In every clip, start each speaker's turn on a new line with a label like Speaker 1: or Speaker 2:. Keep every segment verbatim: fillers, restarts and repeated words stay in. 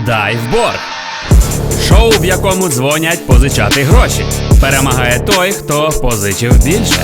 Speaker 1: Дайвборг. Шоу, в якому дзвонять позичати гроші. Перемагає той, хто позичив більше.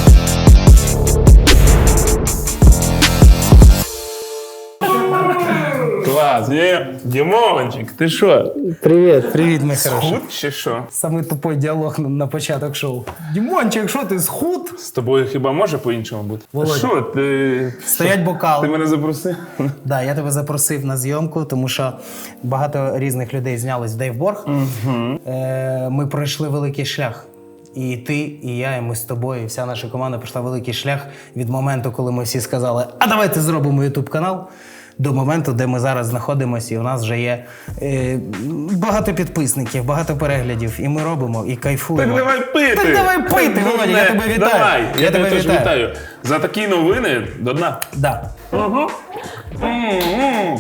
Speaker 2: Клас, є. Дімончик, ти що?
Speaker 3: Привіт, привіт, мій хороший.
Speaker 2: Схуд чи що?
Speaker 3: Самий тупий діалог на, на початок шоу. Дімончик, що ти, схуд?
Speaker 2: З тобою хіба може по-іншому бути?
Speaker 3: Володя.
Speaker 2: Що ти?
Speaker 3: Стоять бокали.
Speaker 2: Ти мене запросив?
Speaker 3: Да, я тебе запросив на зйомку, тому що багато різних людей знялись в Дайвборг. Угу. Е, ми пройшли великий шлях. І ти, і я, і ми з тобою, і вся наша команда пройшла великий шлях від моменту, коли ми всі сказали, а давайте зробимо ютуб-канал, до моменту, де ми зараз знаходимося, і у нас вже є е, багато підписників, багато переглядів, і ми робимо, і кайфуємо.
Speaker 2: Так давай пити!
Speaker 3: Так давай пити, Володя, я тебе вітаю.
Speaker 2: Давай, я,
Speaker 3: я
Speaker 2: тебе теж
Speaker 3: вітаю.
Speaker 2: вітаю. За такі новини до дна.
Speaker 3: Да.
Speaker 2: Угу. М-м-м.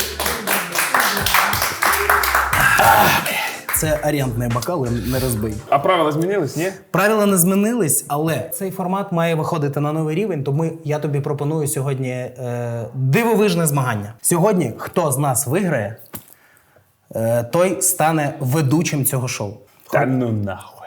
Speaker 3: Це орендний бокал, не розбий.
Speaker 2: А правила змінились, ні?
Speaker 3: Правила не змінились, але цей формат має виходити на новий рівень, тому я тобі пропоную сьогодні е, дивовижне змагання. Сьогодні, хто з нас виграє, е, той стане ведучим цього шоу.
Speaker 2: Та ну нахуй.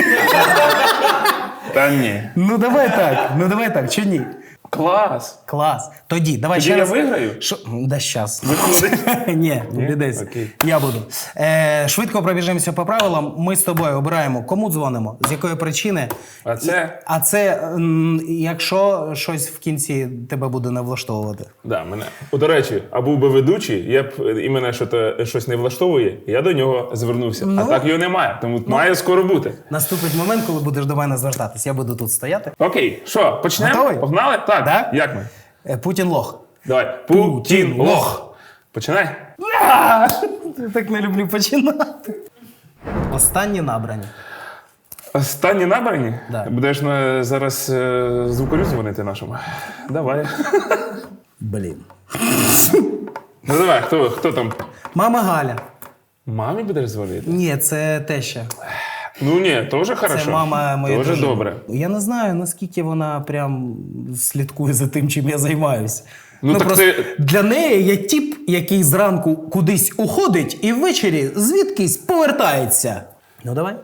Speaker 2: Та ні.
Speaker 3: Ну давай так, ну давай так, чи ні?
Speaker 2: Клас.
Speaker 3: Клас. Тоді, давай
Speaker 2: Тоді
Speaker 3: ще
Speaker 2: я
Speaker 3: раз.
Speaker 2: виграю?
Speaker 3: Шо? Да щас.
Speaker 2: Виходить?
Speaker 3: Ні,
Speaker 2: Ні?
Speaker 3: десь.
Speaker 2: Окей.
Speaker 3: Я буду. Е, швидко пробіжимося по правилам. Ми з тобою обираємо, кому дзвонимо, з якої причини.
Speaker 2: А це?
Speaker 3: А це, м, якщо щось в кінці тебе буде не влаштовувати.
Speaker 2: Да, мене. О, до речі, а був би ведучий, я б і мене що-то, щось не влаштовує, я до нього звернувся.
Speaker 3: Ну,
Speaker 2: а так його немає, тому має скоро бути.
Speaker 3: Наступить момент, коли будеш до мене звертатись. Я буду тут стояти.
Speaker 2: Окей, що, почнемо?
Speaker 3: Готовий?
Speaker 2: Погнали? Так.
Speaker 3: Да?
Speaker 2: Як ми?
Speaker 3: Е, Путін лох.
Speaker 2: Давай.
Speaker 3: Путін
Speaker 2: Путін
Speaker 3: лох.
Speaker 2: лох. Починай.
Speaker 3: Я так не люблю починати. Останні набрані.
Speaker 2: Останні набрані?
Speaker 3: Да.
Speaker 2: Будеш на, зараз е, звукарю дзвонити нашому? Давай.
Speaker 3: Блін.
Speaker 2: Ну давай, хто, хто там?
Speaker 3: Мама Галя.
Speaker 2: Мамі будеш дзвонити?
Speaker 3: Ні, це теща.
Speaker 2: Ну ні, теж хорошо.
Speaker 3: Це мама моєї
Speaker 2: Теж
Speaker 3: дружини.
Speaker 2: добре.
Speaker 3: Я не знаю, наскільки вона прям слідкує за тим, чим я займаюсь.
Speaker 2: Ну, так
Speaker 3: просто
Speaker 2: ти-
Speaker 3: для неї я тіп, який зранку кудись уходить і ввечері звідкись повертається. Ну давай.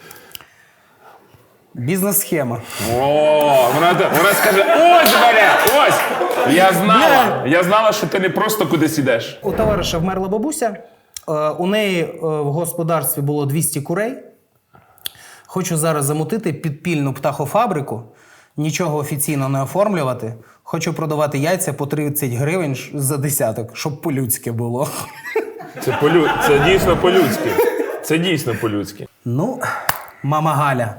Speaker 3: Бізнес-схема.
Speaker 2: О, вона, вона скаже, ось, Варя, ось! Я знала, я знала, що ти не просто кудись ідеш.
Speaker 3: У товариша вмерла бабуся. Е, У неї е, в господарстві було двісті курей. Хочу зараз замутити підпільну птахофабрику, нічого офіційно не оформлювати. Хочу продавати яйця по тридцять гривень ш- за десяток, щоб по-людськи було.
Speaker 2: Це, полю... це дійсно по-людськи. Це дійсно по-людськи.
Speaker 3: Ну, мама Галя.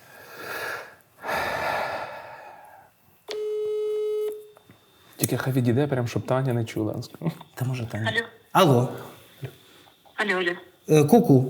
Speaker 2: Тільки хай відійде, прям, щоб Таня не чула.
Speaker 3: Та може Таня.
Speaker 4: Алло.
Speaker 3: Алло.
Speaker 4: Алло, алло.
Speaker 3: Е, Ку-ку.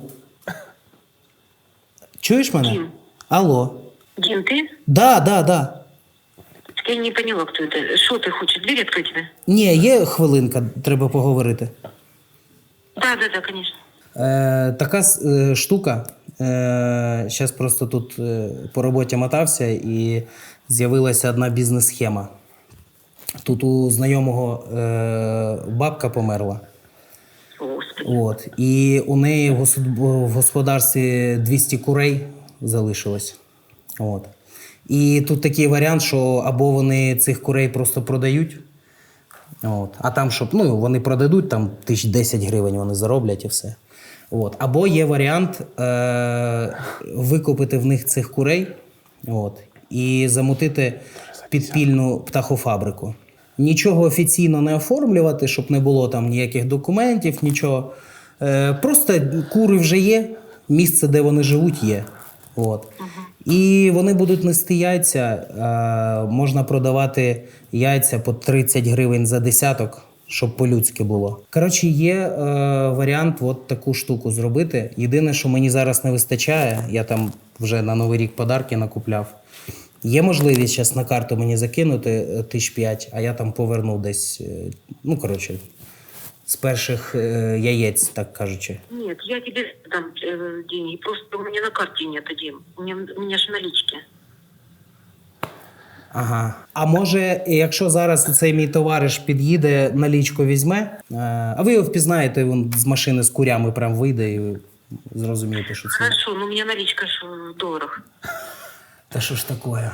Speaker 3: Чуєш мене?
Speaker 4: Дим.
Speaker 3: Алло.
Speaker 4: Дим, ты?
Speaker 3: Да, да, да.
Speaker 4: Я не поняла, кто это. Что ты хочешь? Дверь открыть тебе?
Speaker 3: Ні, є хвилинка, треба поговорити.
Speaker 4: Да, да, да, конечно.
Speaker 3: Е, така е, штука. Зараз просто тут е, по роботі мотався і з'явилася одна бізнес-схема. Тут у знайомого е, бабка померла.
Speaker 4: Господи.
Speaker 3: От, і у неї в гос- в господарстві двісті курей залишилось. От. І тут такий варіант, що або вони цих курей просто продають, от, а там, щоб ну, вони продадуть, там тисяч десять гривень вони зароблять і все. От. Або є варіант е- викупити в них цих курей, от, і замутити підпільну птахофабрику. Нічого офіційно не оформлювати, щоб не було там ніяких документів, нічого. Е, просто кури вже є, місце, де вони живуть, є. От. І вони будуть нести яйця, е, можна продавати яйця по тридцять гривень за десяток, щоб по-людськи було. Коротше, є е, варіант от таку штуку зробити. Єдине, що мені зараз не вистачає, я там вже на Новий рік подарки накупляв. Є можливість зараз на карту мені закинути тисяч п'ять, а я там поверну десь, е, ну, коротше, з перших е, яєць, так кажучи.
Speaker 4: Нет, я тебе дам э, деньги. Просто у меня на карте нет, Дим. У меня, у меня же налички.
Speaker 3: Ага. А може, якщо зараз цей мій товариш під'їде, налічку візьме, е, а ви його впізнаєте, він з машини з курями прям вийде і ви зрозумієте, що це.
Speaker 4: Хорошо, но у меня наличка ж в долларах.
Speaker 3: Та що ж таке?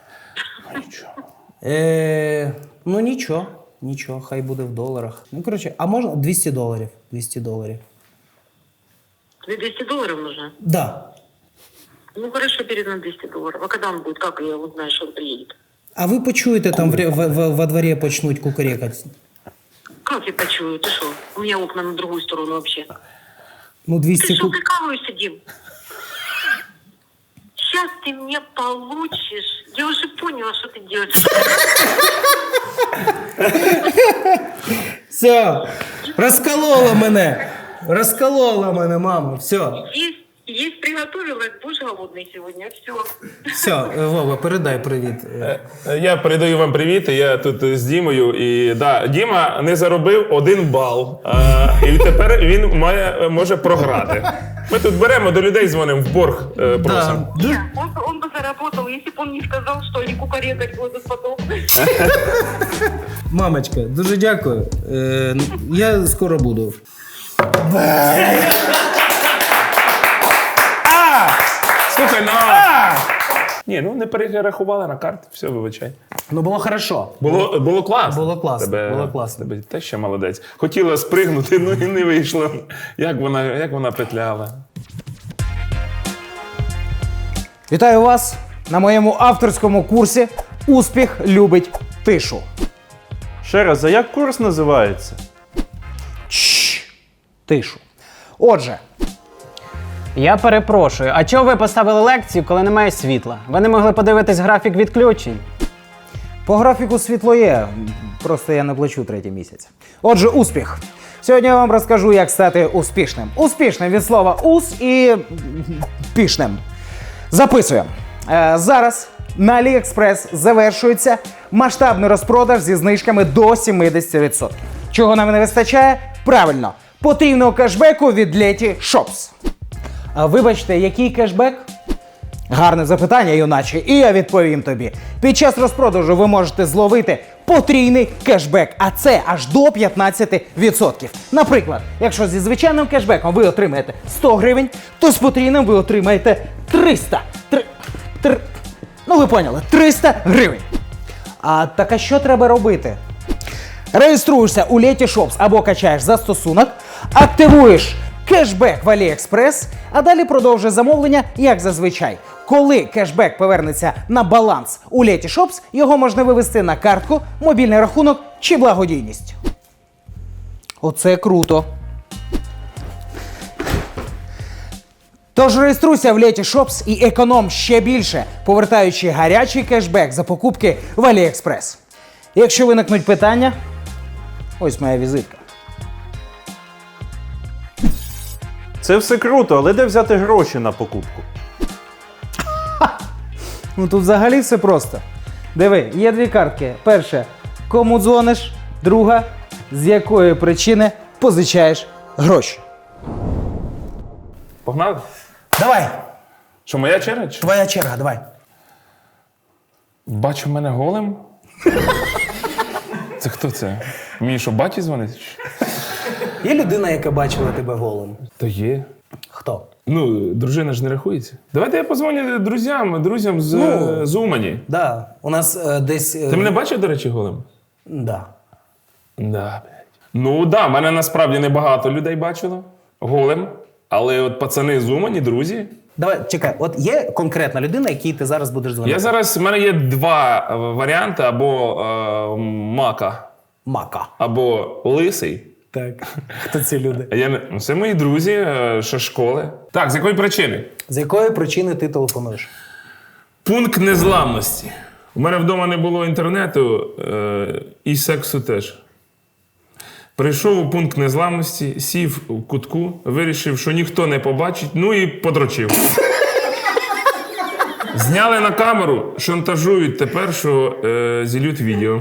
Speaker 3: Е, ну нічого, нічого, хай буде в доларах. Ну, коротше, а можна двісті доларів. двісті доларів.
Speaker 4: Тебе двести долларов нужно?
Speaker 3: Да.
Speaker 4: Ну хорошо, передам двести долларов. А когда он будет? Как я узнаю, что он приедет?
Speaker 3: А ви почуєте, там в, в, в, во дворі почнуть кукурекати.
Speaker 4: Как я почую? Ты что? У меня окна на другую сторону вообще.
Speaker 3: Ну, двісті
Speaker 4: Ты что,
Speaker 3: ку...
Speaker 4: прикалываешься, Дим? Сейчас ты меня получишь. Я уже поняла, что ты делаешь.
Speaker 3: Все, розколола мене. Розколола мене, мама, все.
Speaker 4: Есть, есть приготовила, будешь голодный сегодня. Все.
Speaker 3: Все, Вова, передай привіт.
Speaker 2: Я передаю вам привіт. Я тут з Дімою. І да, Діма не заробив один бал. А, і тепер він має, може програти. Ми тут беремо до людей, дзвонимо в борг, е, просимо.
Speaker 3: Да.
Speaker 4: Нет, он, он бы заработал, если бы он не сказал, что они кукарекать будут потом.
Speaker 3: Мамочка, дуже дякую. Е, я скоро буду.
Speaker 2: Слухай, ну... Ні, ну не перерахували на карти, все, вибачай.
Speaker 3: Ну, було хорошо.
Speaker 2: Було, було класно.
Speaker 3: Було класно,
Speaker 2: Тебе,
Speaker 3: було класно.
Speaker 2: Тебе те ще молодець. Хотіла спригнути, ну і не вийшло. Як вона, як вона петляла.
Speaker 5: Вітаю вас на моєму авторському курсі «Успіх любить тишу».
Speaker 6: Ще раз, а як курс називається?
Speaker 5: Чш, тишу. Отже, я перепрошую, а чого ви поставили лекцію, коли немає світла? Ви не могли подивитись графік відключень? По графіку світло є, просто я не плачу третій місяць. Отже, успіх. Сьогодні я вам розкажу, як стати успішним. Успішним від слова «ус» і «пішним». Записуємо. Е, зараз на AliExpress завершується масштабний розпродаж зі знижками до сімдесят відсотків. Чого нам не вистачає? Правильно, потрібного кешбеку від Леті Shops. А вибачте, який кешбек? Гарне запитання, юначе, і я відповім тобі. Під час розпродажу ви можете зловити потрійний кешбек, а це аж до п'ятнадцять відсотків. Наприклад, якщо зі звичайним кешбеком ви отримаєте сто гривень, то з потрійним ви отримаєте триста. Три, три, ну ви поняли, триста гривень. А так а що треба робити? Реєструєшся у Леті Shops або качаєш застосунок, активуєш кешбек в AliExpress, а далі продовжує замовлення, як зазвичай. Коли кешбек повернеться на баланс у Леті Shops, його можна вивести на картку, мобільний рахунок чи благодійність. Оце круто. Тож реєструйся в Леті Shops і економ ще більше, повертаючи гарячий кешбек за покупки в AliExpress. Якщо виникнуть питання, ось моя візитка.
Speaker 6: Це все круто, але де взяти гроші на покупку?
Speaker 5: Ну тут взагалі все просто. Диви, є дві картки. Перша, кому дзвониш, друга, з якої причини позичаєш гроші.
Speaker 2: Погнали?
Speaker 3: Давай,
Speaker 2: Що, моя черга? Чи?
Speaker 3: твоя черга, давай.
Speaker 2: Бачу мене голим? Це хто це? Мені що, баті дзвонить?
Speaker 3: Є людина, яка бачила тебе голим?
Speaker 2: То є.
Speaker 3: Хто?
Speaker 2: Ну, дружина ж не рахується. Давайте я позвоню друзям, друзям з,
Speaker 3: Ну.
Speaker 2: з Умані.
Speaker 3: Да, у нас е, десь... е,
Speaker 2: Ти мене бачив, до речі, голим?
Speaker 3: Да.
Speaker 2: Да, блядь. Ну, да, мене насправді небагато людей бачило голим. Але от пацани з Умані, друзі.
Speaker 3: Давай, чекай, от є конкретна людина, якій ти зараз будеш дзвонити?
Speaker 2: Я зараз, в мене є два е, варіанти: або е, мака,
Speaker 3: Мака.
Speaker 2: або лисий.
Speaker 3: Так. Хто ці люди?
Speaker 2: Я не... ну, це мої друзі, е, ще школи. Так, з якої причини?
Speaker 3: З якої причини ти телефонуєш?
Speaker 2: Пункт незламності. У мене вдома не було інтернету е, і сексу теж. Прийшов у пункт незламності, сів у кутку, вирішив, що ніхто не побачить, ну і подрочив. Зняли на камеру, шантажують тепер, що е, зілють відео.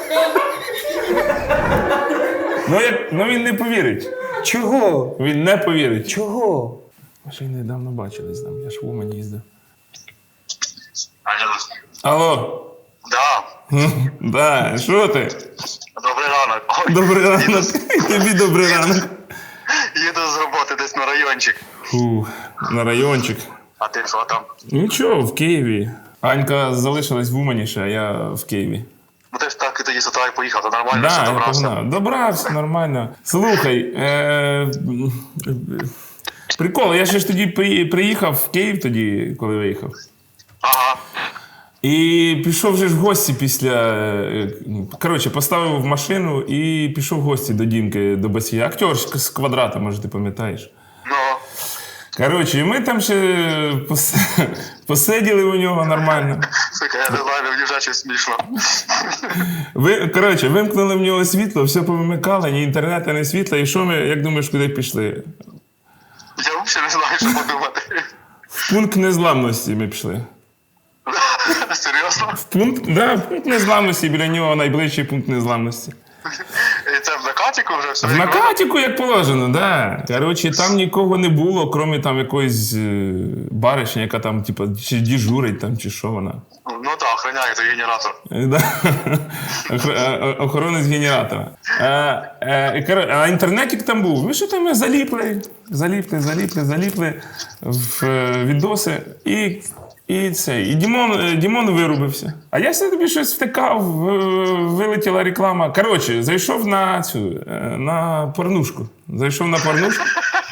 Speaker 2: Ну, як, ну він не повірить.
Speaker 3: Чого?
Speaker 2: Він не повірить.
Speaker 3: Чого?
Speaker 2: Ми ще й недавно бачились там, я ж в Умані їздив.
Speaker 7: Алло,
Speaker 2: Алло,
Speaker 7: Да.
Speaker 2: Да, що ти?
Speaker 7: Добрий ранок. Ой,
Speaker 2: Добрий ранок. І тобі добрий ранок.
Speaker 7: їду з роботи десь на райончик.
Speaker 2: Фу, на райончик.
Speaker 7: А ти що там?
Speaker 2: Нічого, в Києві. Анька залишилась в Умані ще, а я в Києві.
Speaker 7: Ну ти ж так і тоді з утра і поїхав, то нормально,
Speaker 2: Да,
Speaker 7: все
Speaker 2: я
Speaker 7: добрався.
Speaker 2: погнав. Добрався, нормально. Слухай, е- прикол, я ще ж тоді при- приїхав в Київ тоді, коли виїхав.
Speaker 7: Ага.
Speaker 2: І пішов вже ж в гості після. е, ну, Коротше, поставив в машину і пішов в гості до Дімки, до Басія. Актер ж з квадрата, може, ти пам'ятаєш.
Speaker 7: Ну,
Speaker 2: Коротше, і ми там ще пос... посиділи у нього нормально.
Speaker 7: сука, я не знаю, мені вже щось смішно.
Speaker 2: Ви, коротше, вимкнули в нього світло, все повимикали, ні інтернету, ні світла. І що ми, як думаєш, куди пішли?
Speaker 7: Я взагалі не знаю, що подумати.
Speaker 2: В пункт незламності ми пішли.
Speaker 7: Серйозно?
Speaker 2: В пункт, да, в пункт незламності, біля нього найближчий пункт незламності.
Speaker 7: І це в накатіку вже все?
Speaker 2: В накатіку, як положено, да. Коротше, там нікого не було, крім там якоїсь е, баришні, яка там, типу, чи дежурить там, чи що вона.
Speaker 7: Ну так, охороняє той генератор.
Speaker 2: Е, Да. Охр- е, Охоронець генератора. А, е, коро- а інтернетик там був. Ми що там ми заліпли, заліпли, заліпли, заліпли в е, відоси. І, і це. І Дімон, е, Дімон вирубився. А я все тобі щось втикав, в- вилетіла реклама. Коротше, зайшов на цю, е, на порнушку. Зайшов на порнушку.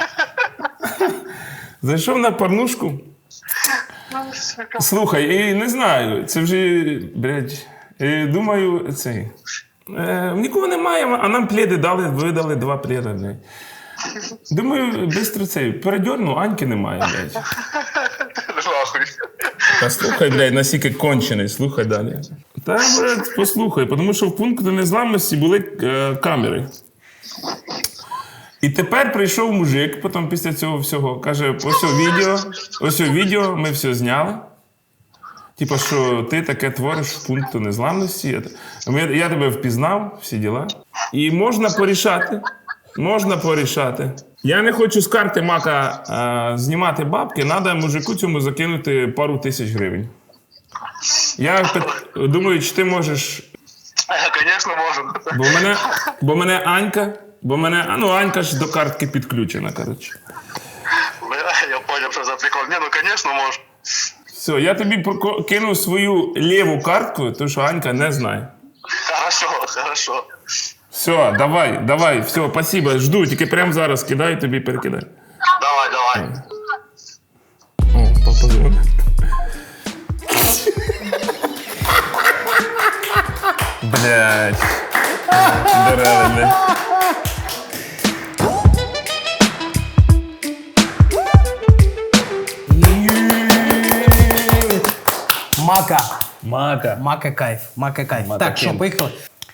Speaker 2: Зайшов на порнушку. Слухай, і не знаю, це вже, блядь, і думаю, цей. Е, нікого немає, а нам пледи дали, видали два пледа, блядь. Думаю, бистро цей, передьорну, Аньки немає, блядь.
Speaker 7: Нахуй.
Speaker 2: Та слухай, блядь, наскільки кончений, слухай далі. Та, блядь, послухай, тому що в пункті незламності були е, камери. І тепер прийшов мужик, потім після цього всього, каже, ось о відео, ось о відео, ми все зняли. Типа, що ти таке твориш в пункту незламності. Ми- Я тебе впізнав, всі діла. І можна порішати. Можна порішати. Я не хочу з карти Мака а, знімати бабки, треба мужику цьому закинути пару тисяч гривень. Я пит- думаю, чи ти можеш.
Speaker 7: Звісно, можу.
Speaker 2: Бо мене, бо мене Анька, бо мене, а, ну Анька ж до картки підключена, коротше.
Speaker 7: Я поняв, що за прикол. Ні, ну, звісно, можу.
Speaker 2: Все, я тобі поко- кину свою ліву картку, тому що Анька не знає.
Speaker 7: Хорошо, хорошо.
Speaker 2: Все, давай, давай, все, спасибо, жду, тільки прямо зараз кидай, тобі перекидай.
Speaker 7: Давай, давай.
Speaker 2: О, папа дзвонить. Блядь. Дерева, блядь.
Speaker 3: Мака.
Speaker 1: Мака.
Speaker 3: Мака кайф. Мака кайф. Так, що, поїхали?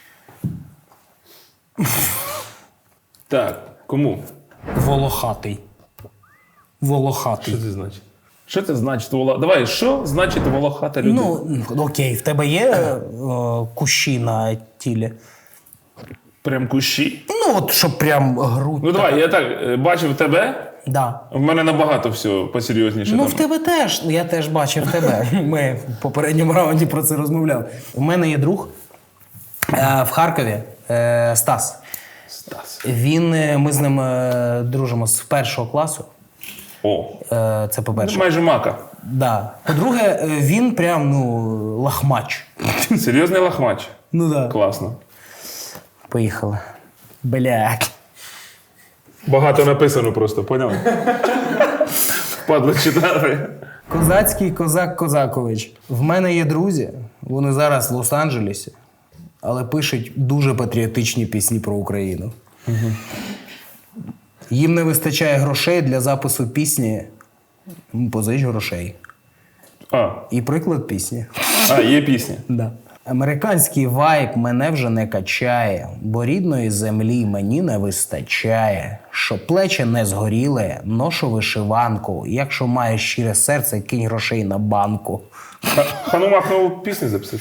Speaker 2: Так, кому?
Speaker 3: Волохатий. Волохатий.
Speaker 2: Що це значить? Що це значить? Воло... Давай, що значить волохата людина?
Speaker 3: Ну, окей, в тебе є е, кущі на тілі?
Speaker 2: Прям кущі?
Speaker 3: Ну, от, щоб прям грудь.
Speaker 2: Ну давай, я так е, бачив тебе,
Speaker 3: Да.
Speaker 2: в мене набагато все посерйозніше.
Speaker 3: Ну,
Speaker 2: там.
Speaker 3: в тебе теж. Я теж бачив тебе. Ми в попередньому раунді про це розмовляли. У мене є друг е, в Харкові, е, Стас.
Speaker 2: Стас.
Speaker 3: Він, е, ми з ним е, дружимо з першого класу.
Speaker 2: О,
Speaker 3: Е, це по-перше.
Speaker 2: майже мака.
Speaker 3: Да. По-друге, е, він прям, ну, лахмач.
Speaker 2: Серйозний лахмач.
Speaker 3: Ну да.
Speaker 2: Класно.
Speaker 3: Поїхали. Блядь.
Speaker 2: Багато написано просто, поняв? Падло читати.
Speaker 3: Козацький козак Козакович. В мене є друзі, вони зараз в Лос-Анджелесі, але пишуть дуже патріотичні пісні про Україну. Угу. Їм не вистачає грошей для запису пісні. «М, Позич грошей.
Speaker 2: А,
Speaker 3: І приклад пісні.
Speaker 2: а, є пісня.
Speaker 3: Да. Американський вайб мене вже не качає, бо рідної землі мені не вистачає. Щоб плечі не згоріли, ношу вишиванку. Якщо маєш щире серце, кинь грошей на банку.
Speaker 2: Ха- Ханумах нову пісню записав.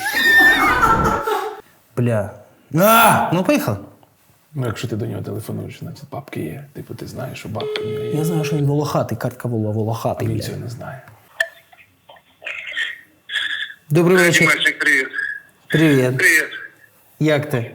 Speaker 3: Бля. А! Ну, поїхали.
Speaker 2: Ну, якщо ти до нього телефонуєш, значить бабки є. Типу, ти знаєш, що бабки в нього є.
Speaker 3: Я знаю, що він волохатий, картка була волохатий.
Speaker 2: Він
Speaker 3: Бля.
Speaker 2: цього не знає.
Speaker 3: Добрий вечір.
Speaker 7: Мальчик, привіт.
Speaker 3: Привіт.
Speaker 8: Привет.
Speaker 3: Як ти?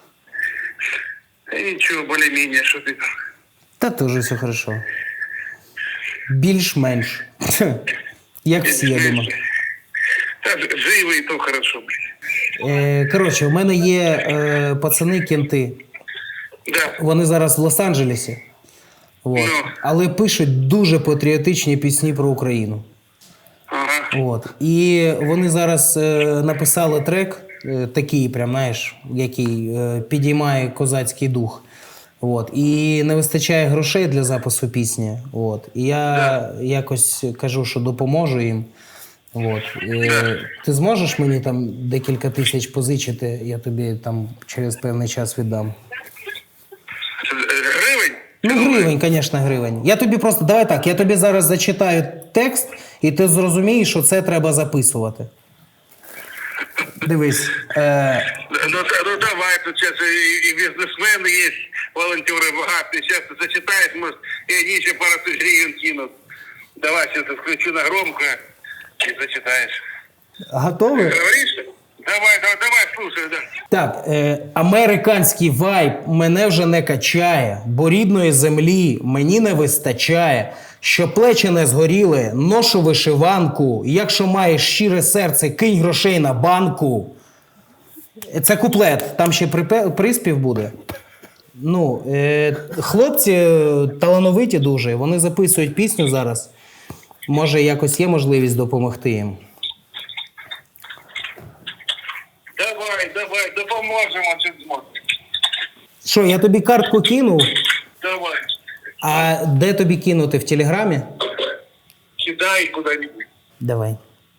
Speaker 8: Да ничего, более-менее, что ты там.
Speaker 3: Та теж все хорошо. Більш-менш. Як всі, я думаю.
Speaker 8: Да, живо и то хорошо, блин.
Speaker 3: Е, коротше, у мене є е, пацани-кенти.
Speaker 8: Да.
Speaker 3: Вони зараз в Лос-Анджелесі. От.
Speaker 8: Ну.
Speaker 3: Але пишуть дуже патріотичні пісні про Україну.
Speaker 8: Ага.
Speaker 3: От. І вони зараз е, написали трек, е, такий, прям, знаєш, який е, підіймає козацький дух. От. І не вистачає грошей для запису пісні. От. І я якось кажу, що допоможу їм. От. Е, ти зможеш мені там декілька тисяч позичити, я тобі там через певний час віддам.
Speaker 8: Гривень?
Speaker 3: Ну, гривень, звісно, гривень. Я тобі просто, давай так, я тобі зараз зачитаю текст, і ти зрозумієш, що це треба записувати. Дивись. Е,
Speaker 8: Ну, ну давай, тут сейчас и, и бизнесмены есть, волонтеры богатые. Сейчас ты зачитаешь, может, и они еще пару тысяч гривен кинут. Давай, сейчас я включу на громко и зачитаешь.
Speaker 3: готові?
Speaker 8: Говоришь? Давай, давай, давай, слушай, да.
Speaker 3: Так, е, американський вайб мене вже не качає, бо рідної землі мені не вистачає. Що плечі не згоріли, ношу вишиванку. Якщо маєш щире серце, кинь грошей на банку. Це куплет, там ще припе- приспів буде. Ну, е, хлопці е, талановиті дуже, вони записують пісню зараз. Може, якось є можливість допомогти їм.
Speaker 8: Давай, давай, допоможемо, чи зможемо.
Speaker 3: Що, я тобі картку кинув?
Speaker 8: Давай,
Speaker 3: А де тобі кинути? В Телеграмі?
Speaker 8: кидай куда-нибудь.
Speaker 3: Давай.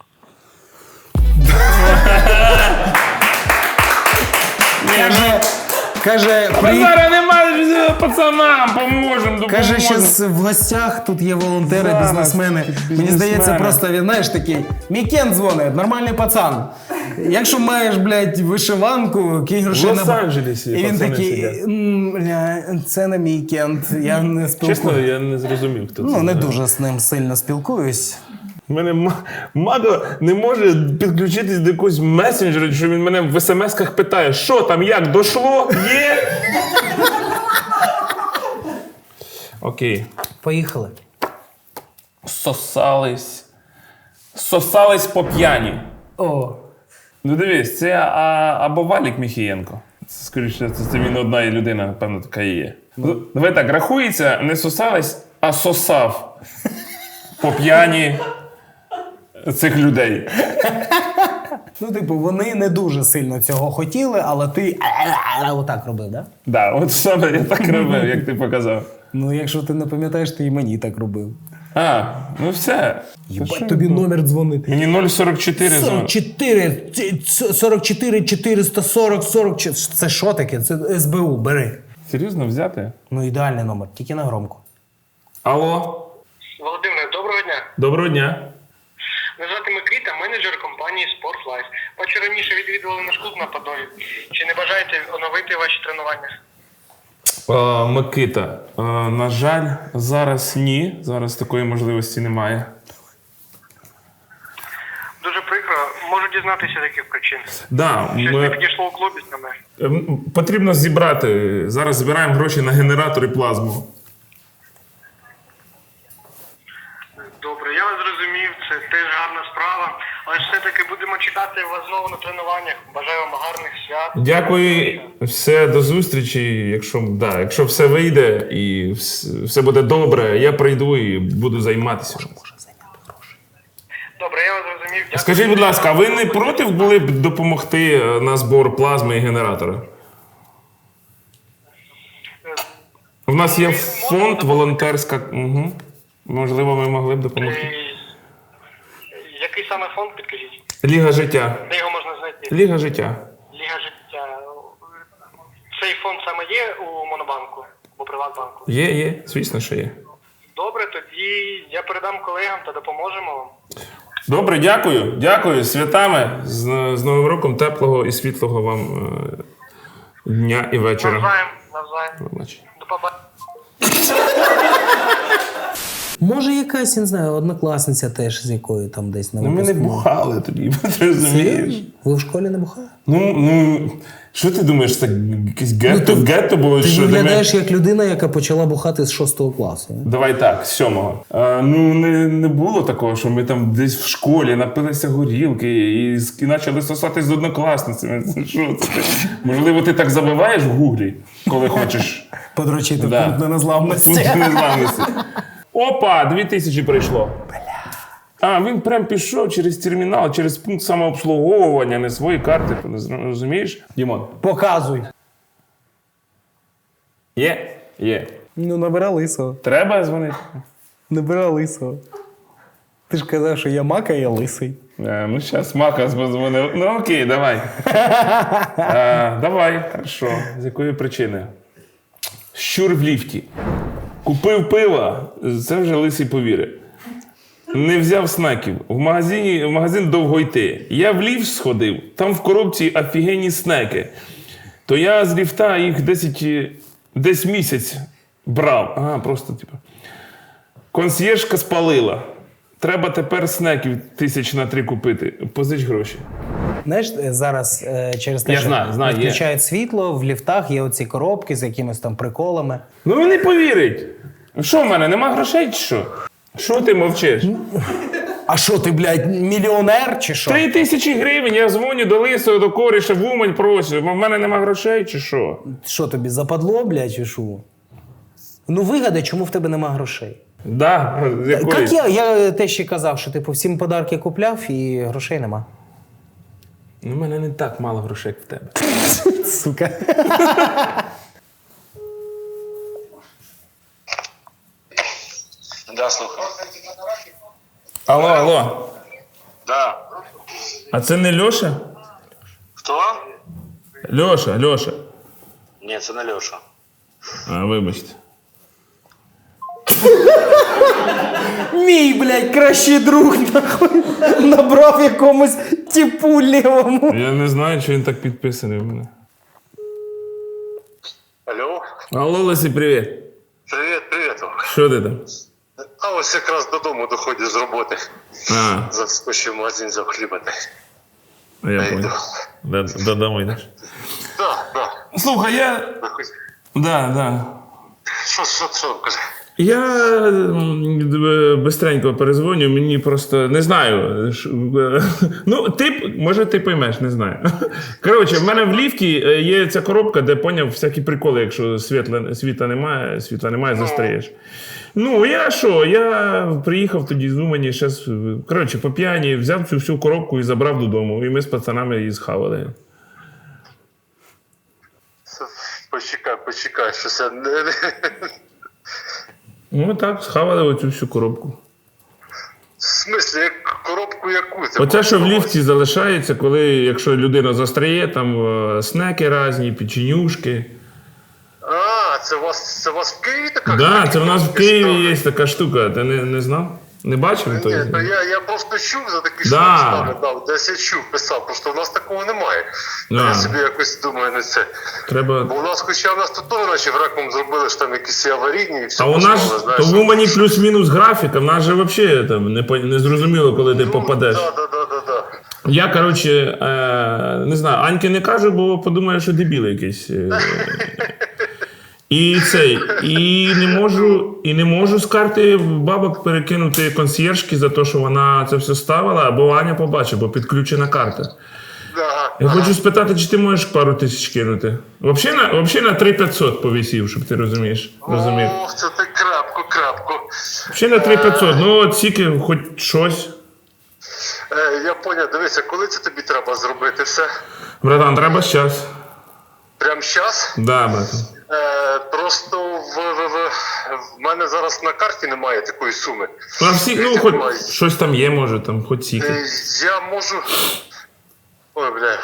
Speaker 3: Каже, каже, при...
Speaker 2: Зараз немає пацанам, поможемо, допоможемо.
Speaker 3: Каже, зараз в гостях тут є волонтери,
Speaker 2: Зараз,
Speaker 3: бізнесмени. Мені
Speaker 2: бізнесмени.
Speaker 3: здається, просто він, знаєш, такий, мій Кен дзвонить, нормальний пацан. Якщо маєш, блядь, вишиванку, кинь грошей
Speaker 2: В
Speaker 3: на...
Speaker 2: Лос-Анджелесі
Speaker 3: І він
Speaker 2: пацани
Speaker 3: такий,
Speaker 2: сидять.
Speaker 3: «М, бля, це не мій Кент, я не спілкуюсь.
Speaker 2: Чесно, я не зрозумів, хто це.
Speaker 3: Ну, не дуже з ним сильно спілкуюсь.
Speaker 2: У мене ма- Мадо не може підключитись до якогось месенджера, що він мене в смс-ках питає, що там, як, дошло, є? Окей.
Speaker 3: Поїхали.
Speaker 2: Сосались. Сосались по п'яні.
Speaker 3: О,
Speaker 2: Ну дивись, це а, або Валік Міхієнко. Це, скоріше, це, це він одна людина, напевно, така і є. Ну, давай так, рахується, не сосались, а сосав по п'яні цих людей.
Speaker 3: ну, типу, вони не дуже сильно цього хотіли, але ти отак робив, да?
Speaker 2: Да, от саме я так робив, як ти показав.
Speaker 3: Ну, якщо ти не пам'ятаєш, ти і мені так робив.
Speaker 2: А, ну все.
Speaker 3: Єбать, тобі номер дзвонити.
Speaker 2: Мені нуль сорок чотири
Speaker 3: сорок
Speaker 2: зон.
Speaker 3: чотири, сорок чотири, чотириста сорок, сорок чотири. Це що таке? Це ес бе у, бери.
Speaker 2: Серйозно взяти?
Speaker 3: Ну, ідеальний номер, тільки на громко.
Speaker 2: Алло,
Speaker 8: Володимир, доброго дня.
Speaker 2: доброго дня.
Speaker 8: Мене звати Микита, менеджер компанії Sportlife. Бачу, раніше відвідували наш клуб на Подолі. Чи не бажаєте оновити ваші тренування?
Speaker 2: А, Микита, а, на жаль, зараз ні. Зараз такої можливості немає.
Speaker 8: Дуже прикро. Можу дізнатися таких причин.
Speaker 2: Да,
Speaker 8: Щось не
Speaker 2: ми,
Speaker 8: підійшло у клубі саме.
Speaker 2: ем, потрібно зібрати. Зараз збираємо гроші на генератор і плазму.
Speaker 8: Добре, я вас зрозумів, це теж гарна справа. Але ж все-таки будемо чекати вас знову на тренуваннях. Бажаю вам гарних свят.
Speaker 2: Дякую, все, до зустрічі. Якщо, да, якщо все вийде і вс- все буде добре, я прийду і буду займатися.
Speaker 8: Добре, я вас зрозумів. Дякую.
Speaker 2: Скажіть, будь ласка, а ви не проти були б допомогти е, на збор плазми і генератора? У нас є фонд волонтерська. Угу. Можливо, ви могли б допомогти.
Speaker 8: Е, Який саме фонд, підкажіть?
Speaker 2: Ліга життя.
Speaker 8: Де його можна знайти?
Speaker 2: Ліга життя.
Speaker 8: Ліга життя. Цей фонд саме є у Монобанку або Приватбанку?
Speaker 2: Є, є, звісно, що є.
Speaker 8: Добре, тоді я передам колегам та допоможемо вам.
Speaker 2: Добре, дякую. Дякую. Святами. З, з Новим роком теплого і світлого вам е, дня і вечора.
Speaker 8: Навзаєм, навзаєм.
Speaker 2: Побачення.
Speaker 8: До побачення.
Speaker 3: Може, якась, я не знаю, однокласниця теж, з якою там десь на
Speaker 2: Ну, ми не
Speaker 3: випускному.
Speaker 2: бухали тоді, ти розумієш?
Speaker 3: Ви в школі не бухали?
Speaker 2: Ну, ну, що ти думаєш, це якесь гетто, гетто було?
Speaker 3: Ти
Speaker 2: що, де ми-
Speaker 3: виглядаєш як людина, яка почала бухати з шостого класу.
Speaker 2: Давай так, з сьомого. А, ну, не, не було такого, що ми там десь в школі напилися горілки і, з- і почали сосати з однокласницями. Це що це? Можливо, ти так забиваєш в гуглі, коли хочеш.
Speaker 3: Подрочити
Speaker 2: Да.
Speaker 3: в пункт незламності.
Speaker 2: Пункт незламності. Опа, дві тисячі прийшло. А, він прям пішов через термінал, через пункт самообслуговування, не свої карти, ти не зро- розумієш? Дімон.
Speaker 3: Показуй.
Speaker 2: Є? Є.
Speaker 3: Ну, набира лисого.
Speaker 2: Треба дзвонити?
Speaker 3: Набира лисого. Ти ж казав, що я мака, я лисий.
Speaker 2: А, ну, зараз Мака дзвонив. Ну, окей, давай. А, давай, хорошо. З якої причини? Щур в ліфті. Купив пива, це вже лисий повірить. Не взяв снеків. В магазині, в магазин довго йти. Я в ліфт сходив, там в коробці офігенні снеки. То я з ліфта їх десять, десь місяць брав. Ага, просто типу. Консьєржка спалила. Треба тепер снеків тисяч на три купити. Позич гроші.
Speaker 3: Знаєш, зараз е, через те,
Speaker 2: Я
Speaker 3: що
Speaker 2: знаю, знаю, є.
Speaker 3: відключають світло, в ліфтах є оці коробки з якимись там приколами.
Speaker 2: Ну він не повірить. Що в мене, нема грошей чи що? Що ти мовчиш?
Speaker 3: А що ти, блядь, мільйонер чи що?
Speaker 2: Три тисячі гривень, я дзвоню до лисого, до коріша, в Умань прошу. В мене нема грошей чи що?
Speaker 3: Що тобі, западло, блядь, чи що? Ну вигадай, чому в тебе нема грошей.
Speaker 2: Да, з якої?
Speaker 3: Як я, я те ще казав, що типу всім подарки купляв і грошей нема.
Speaker 2: Ну, в мене не так мало грошей, як в тебе.
Speaker 3: Сука.
Speaker 7: Да, слухай.
Speaker 2: Алло, алло.
Speaker 7: Да.
Speaker 2: А це не Льоша?
Speaker 7: Хто?
Speaker 2: Льоша, Льоша.
Speaker 7: Ні, це не Льоша.
Speaker 2: А, вибачте.
Speaker 3: Мій, блядь, кращий друг, нахуй, набрав якомусь типу лівому.
Speaker 2: Я не знаю, чи він так підписаний в мене.
Speaker 7: Алло?
Speaker 2: Алло, Лесі, привіт.
Speaker 7: Привіт, привіт.
Speaker 2: Що ти там?
Speaker 7: А ось якраз додому доходиш з роботи.
Speaker 2: А,
Speaker 7: Заскочив в магазин за хлібати.
Speaker 2: я понял. Да, додому йдеш.
Speaker 7: Да, да.
Speaker 2: Слухай, я... Да, да.
Speaker 7: Що, що, що, каже?
Speaker 2: Я м, бистренько перезвоню, мені просто не знаю. ш- е, Ну, ти, може, ти поймеш, не знаю. Коротше, в мене в ліфті е, є ця коробка, де поняв всякі приколи, якщо світла, світла немає, світла немає, застряєш. Ну, я що, я приїхав тоді з Умані, ще, з- коротше, по п'яні, взяв цю всю коробку і забрав додому. І ми з пацанами її схавали.
Speaker 7: Почекай, почекай, щось я не...
Speaker 2: Ну, так, схавали оцю всю коробку.
Speaker 7: В смислі, як коробку яку? Це
Speaker 2: Оце, що в
Speaker 7: було?
Speaker 2: ліфті залишається, коли, якщо людина застряє, там е, снеки різні, печенюшки.
Speaker 7: А, це у вас, це у вас в Києві така?
Speaker 2: Так, да, це в нас в Києві
Speaker 7: історія?
Speaker 2: є така штука. Ти не, не знав? Не бачив?
Speaker 7: Ні,
Speaker 2: той?
Speaker 7: то я, я просто чув за такі
Speaker 2: Да.
Speaker 7: штуки, да, десь я чув, писав, просто в нас такого немає.
Speaker 2: Да.
Speaker 7: Я собі якось думаю на це.
Speaker 2: Треба...
Speaker 7: Бо у нас, хоча в нас тут теж наче в реком зробили, що там якісь і аварійні і все.
Speaker 2: А у нас
Speaker 7: поставили,
Speaker 2: то
Speaker 7: знаєш.
Speaker 2: в Умані плюс-мінус графіка, в нас же взагалі там не, по- не зрозуміло, коли ти попадеш.
Speaker 7: Так, так, так, так, так.
Speaker 2: Я, коротше, е, не знаю, Аньки не кажу, бо подумає, що дебіл якийсь. Е. І цей, і не можу, і не можу з карти бабок перекинути консьєржки за те, що вона це все ставила, або Аня побачить, бо підключена карта.
Speaker 7: Ага,
Speaker 2: Я
Speaker 7: ага.
Speaker 2: хочу спитати, чи ти можеш пару тисяч кинути? Взагалі на, взагалі на три п'ятсот повісів, щоб ти розумієш. Розумів.
Speaker 7: Ох, це ти крапко, крапко.
Speaker 2: Взагалі на три п'ятсот, ну от тільки хоч щось.
Speaker 7: Е, я поняв, дивися, коли це тобі треба зробити все?
Speaker 2: Братан, треба щас.
Speaker 7: Прямо зараз?
Speaker 2: Да, братан.
Speaker 7: Е, просто в, в, в, в мене зараз на карті немає такої суми.
Speaker 2: Ну, а всі, ну, хоч щось там є, може, там, хоч тільки.
Speaker 7: Е, я можу. Ой, бля.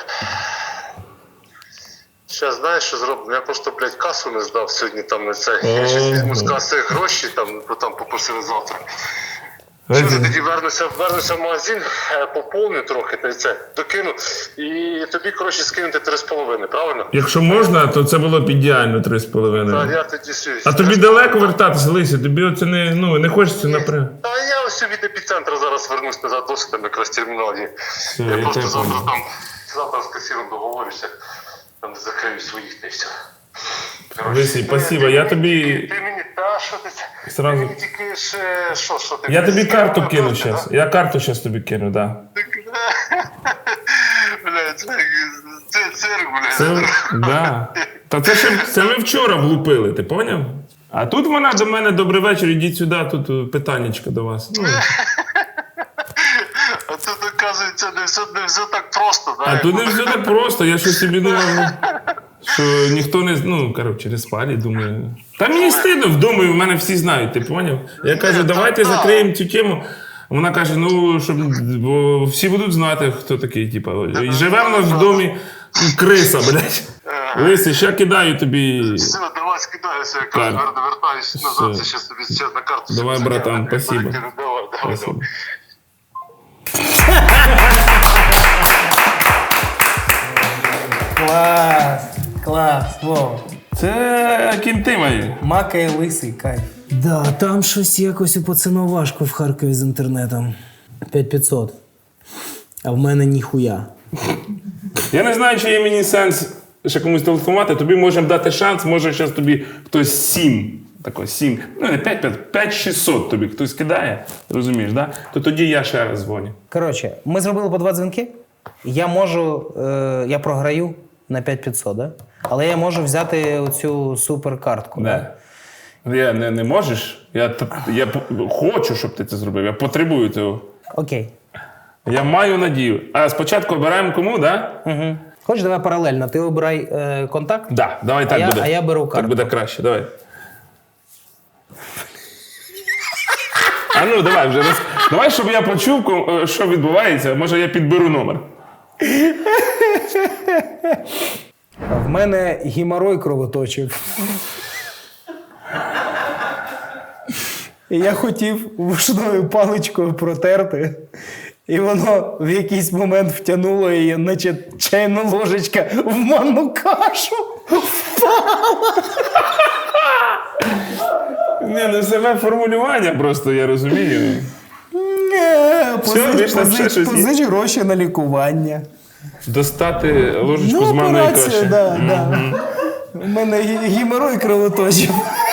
Speaker 7: Зараз знаєш, що зроблю? Я просто, блядь, касу не здав сьогодні там на це. Я щось візьму з каси гроші, там, бо там попросили завтра.
Speaker 2: Ой,
Speaker 7: Що ж,
Speaker 2: ти-
Speaker 7: тоді вернуся, вернуся в магазин, е, поповню трохи, та й це, докину, і тобі, коротше, скинути три з половиною, правильно?
Speaker 2: Якщо можна, то це було б ідеально три з
Speaker 7: Та
Speaker 2: половиною.
Speaker 7: я тоді все.
Speaker 2: А тобі далеко вертатися, Лися? Тобі оце не, ну, не хочеться напряму.
Speaker 7: Та я ось від епіцентра зараз вернусь назад, досить там якраз термінал є.
Speaker 2: я
Speaker 7: Я просто
Speaker 2: тебе
Speaker 7: завтра
Speaker 2: понял.
Speaker 7: там, завтра з касіром договорюся, там де закрию своїх та й все. Коротше,
Speaker 2: Лисий,
Speaker 7: ну,
Speaker 2: спасибо,
Speaker 7: ти
Speaker 2: я
Speaker 7: мені
Speaker 2: тобі
Speaker 7: тільки- Ти мені, та що ти це?
Speaker 2: Сразу-
Speaker 7: Ти мені тільки ще, що, що ти?
Speaker 2: Я
Speaker 7: мені
Speaker 2: тобі
Speaker 7: скинув
Speaker 2: карту
Speaker 7: на
Speaker 2: кину
Speaker 7: карту,
Speaker 2: зараз.
Speaker 7: да?
Speaker 2: Я карту зараз тобі кину, так.
Speaker 7: Бля, це, це цирк, бля.
Speaker 2: Це, да. Та це ще це ми вчора влупили, ти поняв? А тут вона до мене добрий вечір, ідіть сюди, тут е, питаннячко до вас. Ну,
Speaker 7: А тут, оказується, не все, не все так просто,
Speaker 2: а
Speaker 7: знаєш.
Speaker 2: тут не все так просто, я щось собі думав, що ніхто не. Ну, коротше, розпалі, думаю. Та мені стидно, думаю, в мене всі знають, ти поняв? Я кажу, давайте закриємо цю тему. Вона каже, ну, щоб бо всі будуть знати, хто такий, типа. І живе в нас в домі криса, блядь. Лисий, ще кидаю тобі.
Speaker 7: Все, давай скидайся, я
Speaker 2: Так.
Speaker 7: кажу, вер- вертаюсь назад,
Speaker 2: Все.
Speaker 7: це ще тобі ще на карту.
Speaker 2: Давай,
Speaker 7: закину,
Speaker 2: братан,
Speaker 7: я
Speaker 2: спасибо.
Speaker 7: перекину. Давай, давай,
Speaker 2: Спасибо.
Speaker 7: давай.
Speaker 3: Клас! Клас! Вова.
Speaker 2: Це кінти мої.
Speaker 3: Мака і лисий, кайф. Да, там щось якось у пацана важко в Харкові з інтернетом. п'ять п'ятсот. А в мене ніхуя.
Speaker 2: Я не знаю, чи є мені сенс ще комусь телефонувати. Тобі можемо дати шанс, може зараз тобі хтось сім. Тако сім. Ну, не п'ять, п'ять шістсот тобі хтось кидає, розумієш, да? То тоді я ще раз дзвоню.
Speaker 3: Коротше, ми зробили по два дзвінки. Я можу, е, я програю на п'ять п'ятсот, да? Але я можу взяти оцю суперкартку.
Speaker 2: Да. Я не, не можеш. Я, т- я п- хочу, щоб ти це зробив. Я потребую цього.
Speaker 3: Окей.
Speaker 2: Я маю надію. А спочатку обираємо кому, да?
Speaker 3: Угу. Хочеш, давай паралельно. Ти обирай е, контакт.
Speaker 2: Да, давай так
Speaker 3: я-
Speaker 2: буде.
Speaker 3: а я беру
Speaker 2: Так
Speaker 3: карту.
Speaker 2: буде краще, давай. А ну, давай вже. роз- Давай, щоб я почув, ко- що відбувається. Може, я підберу номер.
Speaker 3: В мене геморой кровоточив. І я хотів вушною паличкою протерти. І воно в якийсь момент втягнуло її, наче чайна ложечка в манну кашу.
Speaker 2: Ні, ну саме формулювання просто, я розумію.
Speaker 3: Не,
Speaker 2: Все,
Speaker 3: позич,
Speaker 2: більш там ще
Speaker 3: позич,
Speaker 2: щось є?
Speaker 3: позич гроші на лікування.
Speaker 2: Достати ложечку
Speaker 3: Ну,
Speaker 2: з манної
Speaker 3: операція,
Speaker 2: каші.
Speaker 3: да, да. У мене гі- геморой кровоточив.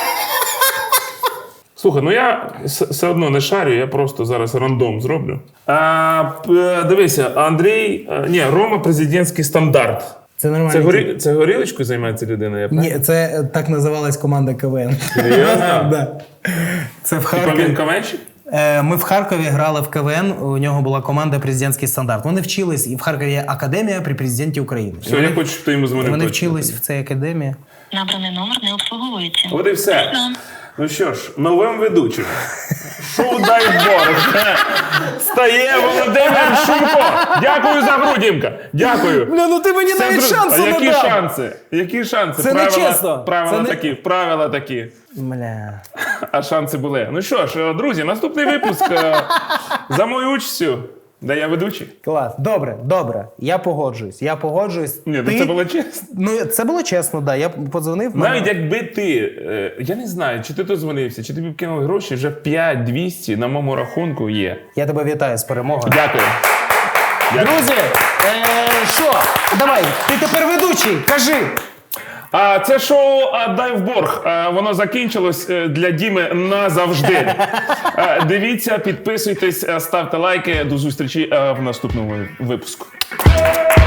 Speaker 2: Слухай, ну я с- все одно не шарю, я просто зараз рандом зроблю. А, п- дивися, Андрій, а, ні, Рома президентський стандарт.
Speaker 3: Це нормально.
Speaker 2: Це, горі, це горілочкою займається людина, я правильно?
Speaker 3: Ні, це е, так називалась команда КВН.
Speaker 2: Серйозно?
Speaker 3: Да. Це в
Speaker 2: Типа він
Speaker 3: Харкові.
Speaker 2: каменщик?
Speaker 3: Е, Ми в Харкові грали в КВН, у нього була команда «Президентський стандарт». Вони вчились, і в Харкові є академія при президенті України. І
Speaker 2: Все, я хочу, щоб ти йому дзвонив.
Speaker 3: Вони
Speaker 2: точно.
Speaker 3: вчились в цій академії.
Speaker 9: Набраний номер не обслуговується.
Speaker 2: От і все. Ну що ж, новим ведучим. Шоу «Дай Бог» стає Володимир Шумко. Дякую за гру, Дімка. Дякую.
Speaker 3: Бля, ну ти мені
Speaker 2: Це
Speaker 3: навіть
Speaker 2: друг-
Speaker 3: шансу
Speaker 2: а
Speaker 3: не
Speaker 2: які
Speaker 3: дав.
Speaker 2: шанси? Які шанси?
Speaker 3: Це
Speaker 2: правила,
Speaker 3: нечесно.
Speaker 2: Правила
Speaker 3: Це не-
Speaker 2: такі, правила такі.
Speaker 3: Бля.
Speaker 2: А шанси були. Ну що ж, друзі, наступний випуск е, за мою участю, де я ведучий.
Speaker 3: Клас. Добре, добре. Я погоджуюсь. Я погоджуюсь.
Speaker 2: Ні, ну
Speaker 3: Ти-
Speaker 2: це було чесно.
Speaker 3: Ну, це було чесно, да. Я подзвонив. на-
Speaker 2: Навіть якби ти, е, я не знаю, чи ти дозвонився, чи тобі кинули гроші, вже п'ять двісті на моєму рахунку є.
Speaker 3: Я тебе вітаю з перемогою.
Speaker 2: Дякую. Дякую.
Speaker 3: Друзі, е, що? Давай, ти тепер ведучий, кажи.
Speaker 2: А це шоу а, «Дай в борг». А, воно закінчилось е, для Діми назавжди. А, дивіться, підписуйтесь, е, ставте лайки. До зустрічі е, в наступному випуску.